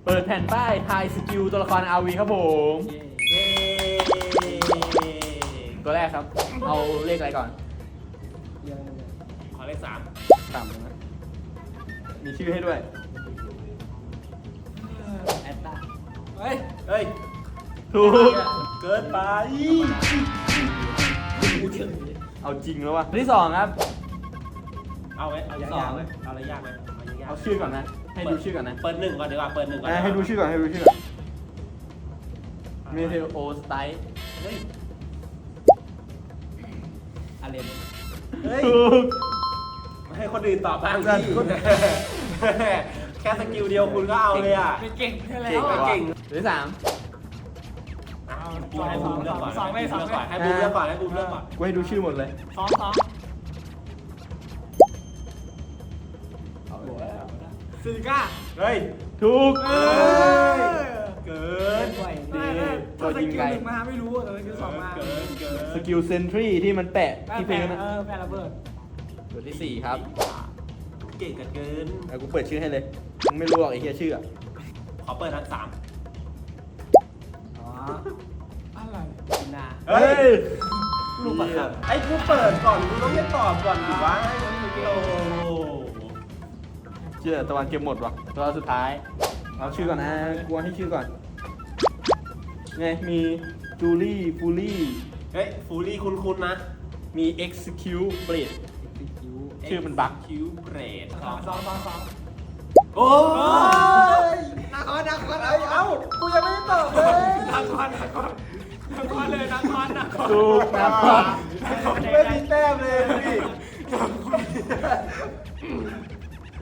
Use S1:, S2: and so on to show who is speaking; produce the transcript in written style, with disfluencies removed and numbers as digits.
S1: เปิดแผ่นป้ายทายสกิลตัวละคร RV ครับผม
S2: เย้
S1: ตัวแรกครับ เอาเลขอะไรก่อน
S2: ขอเลข
S1: ต่ำนะมีชื่อให้ด้วย
S3: แอตตา
S2: เฮ้ย
S1: ถูก
S2: เกินไป
S1: เอาจริงแล้ววะที่สองครับ
S2: เอาไหมเอายากไหมเอาอะไรยากไหมเอายาก
S1: เอาชื่อก่อนนะ ให้ดูชื่อก่อนนะ
S2: เปิดหนึ่งก่อนดีกว่าเปิดหนึ่งก่อน
S1: ให้ดูชื่อก่อนให้ดูชื่อก่อนเมเทโอสไตล์
S2: เฮ้ย
S3: อาเลน
S2: เฮ้ย
S1: ถูก
S2: ให้คนอื่นตอบบ้างพี่แค่สกิลเดียวคุณก็เอาเลยอ่ะ
S3: เก่งแค่แล้ว
S2: เก่งอะเก่ง
S1: ที่สาม
S2: ให้บูมเลือกก่อนให้บูมเลือกก่อนให้บูมเลือกก่อน
S1: กูให้ดูชื่อหมดเลย
S3: สอง ซิลิก้า
S2: เฮ้ย
S1: ถูก
S2: เกิน
S3: ไหว
S1: ดี
S3: ตัวสกิลหนึ่งมาไม่รู้สกิลสองมา
S2: เกิน
S1: สกิลเซนทรีที่มันแปะที่พื้นนะ
S3: แม่ระเบิด
S1: ตัวที่สี่ครับ
S2: เก่งกันเกิน
S1: เอากูเปิดชื่อให้เลยมึงไม่รู้หรอกไอ้เหี้ยชื่ออะ
S2: ขอเปิดทั้ง3
S3: อ๋ออะไรนา
S2: เฮ้ยลูกประคับไอ้กูเปิดก่อนกูต้องให้ตอบก่อนดิวะโอ้
S1: เชื่อตะวันเกมหมดวะตัวสุดท้ายเอาชื่อก่อนนะกลัวให้ชื่อก่อนไงมีจูลี่ฟูลี่
S2: เฮ้ยฟูลี่คุ้นๆนะ
S1: มี execute blade ชื่อมันบั๊ก
S2: คิวเบรด
S3: สอง
S2: โอ้ย
S3: นักคอน
S2: เอ้ากูยังไม่ได้ตอบเลย
S3: นักคอนเลยนักคอน
S1: ถูกนะครับ
S2: ไม่มีแต้มเลยพี่